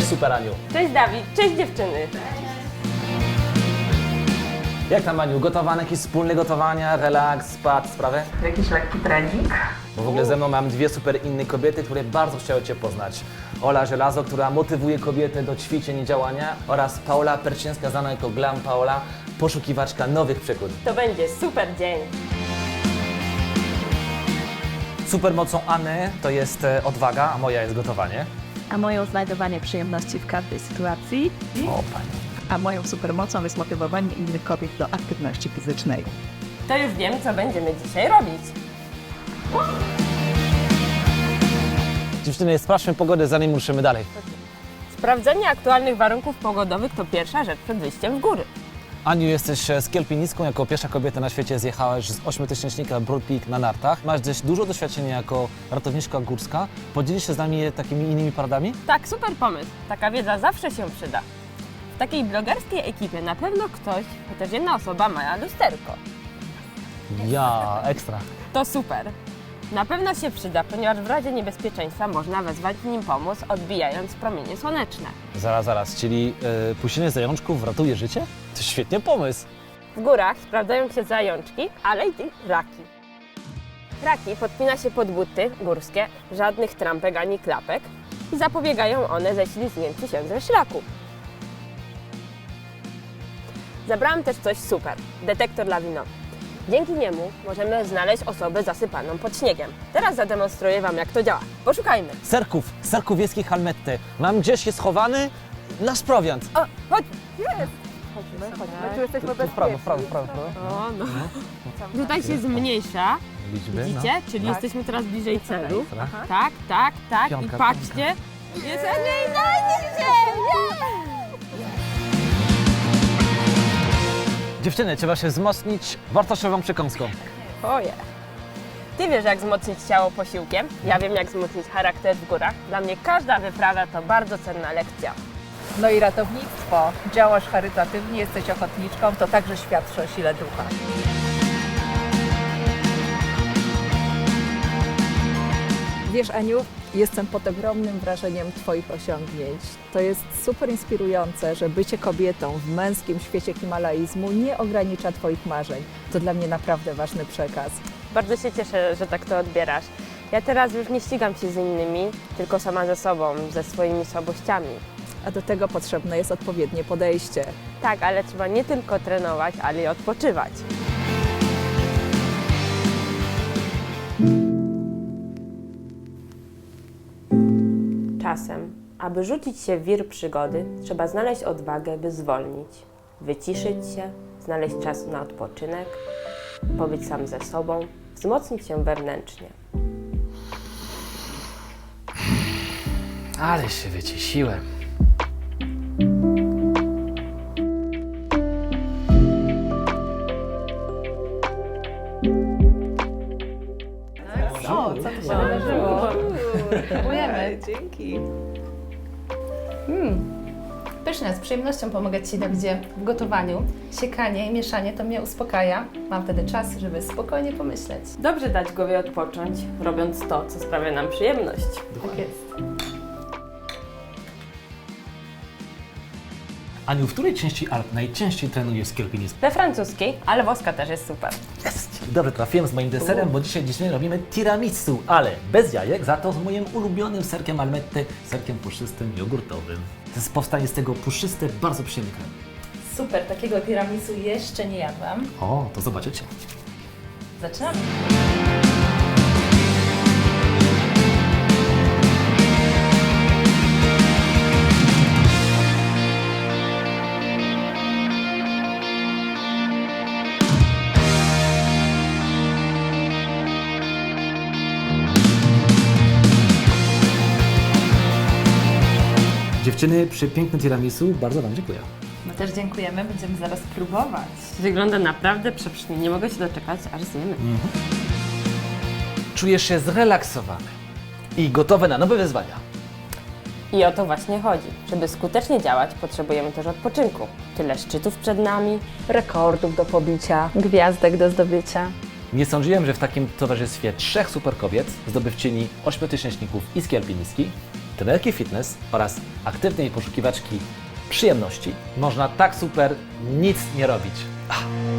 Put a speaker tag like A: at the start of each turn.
A: super, Aniu.
B: Cześć Dawid, cześć dziewczyny.
A: Jak tam, Aniu? Gotowane, jakieś wspólne gotowania, relaks, spad, sprawy?
C: Jakiś lekki trening?
A: Bo w ogóle ze mną mam dwie super inne kobiety, które bardzo chciały Cię poznać. Ola Żelazo, która motywuje kobiety do ćwiczeń i działania, oraz Paula Perczyńska, znana jako Glam Paula, poszukiwaczka nowych przygód.
B: To będzie super dzień.
A: Supermocą Anny to jest odwaga, a moja jest gotowanie.
D: A moją znajdowanie przyjemności w każdej sytuacji.
A: O, Pani.
E: A moją supermocą jest motywowanie innych kobiet do aktywności fizycznej.
B: To już wiem, co będziemy dzisiaj robić.
A: Dziewczyny, sprawdźmy pogodę, zanim ruszymy dalej.
B: Sprawdzenie aktualnych warunków pogodowych to pierwsza rzecz przed wyjściem w góry.
A: Aniu, jesteś z Kielpinicką, jako pierwsza kobieta na świecie zjechałaś z 8-tysięcznika Broad Peak na nartach. Masz dość dużo doświadczenia jako ratowniczka górska. Podzielisz się z nami takimi innymi poradami?
B: Tak, super pomysł. Taka wiedza zawsze się przyda. W takiej blogerskiej ekipie na pewno ktoś, chociaż jedna osoba ma lusterko.
A: Ja, ekstra.
B: To super. Na pewno się przyda, ponieważ w razie niebezpieczeństwa można wezwać nim pomoc, odbijając promienie słoneczne.
A: Zaraz, czyli puścinie zajączków ratuje życie? To świetny pomysł.
B: W górach sprawdzają się zajączki, ale i raki. Raki podpina się pod buty górskie, żadnych trampek ani klapek i zapobiegają one ześlizgnięciu się ze szlaku. Zabrałam też coś super, detektor lawinowy. Dzięki niemu możemy znaleźć osobę zasypaną pod śniegiem. Teraz zademonstruję Wam, jak to działa. Poszukajmy.
A: Serków wiejskich Halmetty. Mam gdzieś je schowany nasz prowiant.
B: O, chodź! Jest! Chodźmy. Tu jesteśmy
A: W prawo.
B: O, no. Tutaj się zmniejsza,
A: Liczby,
B: widzicie? Czyli jesteśmy teraz bliżej celu.
A: Tak.
B: Tak.
A: Piątka,
B: I patrzcie. Jest nie!
A: Dziewczyny, trzeba się wzmocnić wartościową przekąską.
B: Oje. Ty wiesz, jak wzmocnić ciało posiłkiem? Ja wiem, jak wzmocnić charakter w górach. Dla mnie każda wyprawa to bardzo cenna lekcja.
C: No i ratownictwo. Działasz charytatywnie, jesteś ochotniczką, to także świadczy o sile ducha.
F: Wiesz, Aniu, jestem pod ogromnym wrażeniem Twoich osiągnięć. To jest super inspirujące, że bycie kobietą w męskim świecie himalaizmu nie ogranicza Twoich marzeń. To dla mnie naprawdę ważny przekaz.
B: Bardzo się cieszę, że tak to odbierasz. Ja teraz już nie ścigam się z innymi, tylko sama ze sobą, ze swoimi słabościami.
F: A do tego potrzebne jest odpowiednie podejście.
B: Tak, ale trzeba nie tylko trenować, ale i odpoczywać. Czasem, aby rzucić się w wir przygody, trzeba znaleźć odwagę, by zwolnić, wyciszyć się, znaleźć czas na odpoczynek, pobyć sam ze sobą, wzmocnić się wewnętrznie.
A: Ale się wyciesiłem.
C: O, co tu się wydarzyło? Dziękujemy. Dzięki.
G: Pyszne, z przyjemnością pomogę Ci, Dawidzie, w gotowaniu. Siekanie i mieszanie to mnie uspokaja. Mam wtedy czas, żeby spokojnie pomyśleć.
B: Dobrze dać głowie odpocząć, robiąc to, co sprawia nam przyjemność.
G: Tak jest.
A: Aniu, w której części Alp najczęściej trenujesz z Kielpinicką?
B: We francuskiej, ale woska też jest super.
A: Jest! Dobrze trafiłem z moim deserem, bo dzisiaj robimy tiramisu, ale bez jajek, za to z moim ulubionym serkiem Almetty, serkiem puszystym, jogurtowym. Powstanie z tego puszyste, bardzo przyjemny krem.
G: Super, takiego tiramisu jeszcze nie jadłam.
A: O, to zobaczycie.
G: Zaczynamy.
A: Dziewczyny, przepiękne tiramisu, bardzo Wam dziękuję.
G: My też dziękujemy, będziemy zaraz próbować.
B: Wygląda naprawdę przepysznie, nie mogę się doczekać, aż zjemy.
A: Czujesz się zrelaksowany i gotowy na nowe wyzwania.
B: I o to właśnie chodzi. Żeby skutecznie działać, potrzebujemy też odpoczynku. Tyle szczytów przed nami.
F: Rekordów do pobicia.
G: Gwiazdek do zdobycia.
A: Nie sądziłem, że w takim towarzystwie trzech super kobiet, zdobywczyni 8-tysięczników i z Kielpinicki, trenerki fitness oraz aktywnej poszukiwaczki przyjemności można tak super nic nie robić.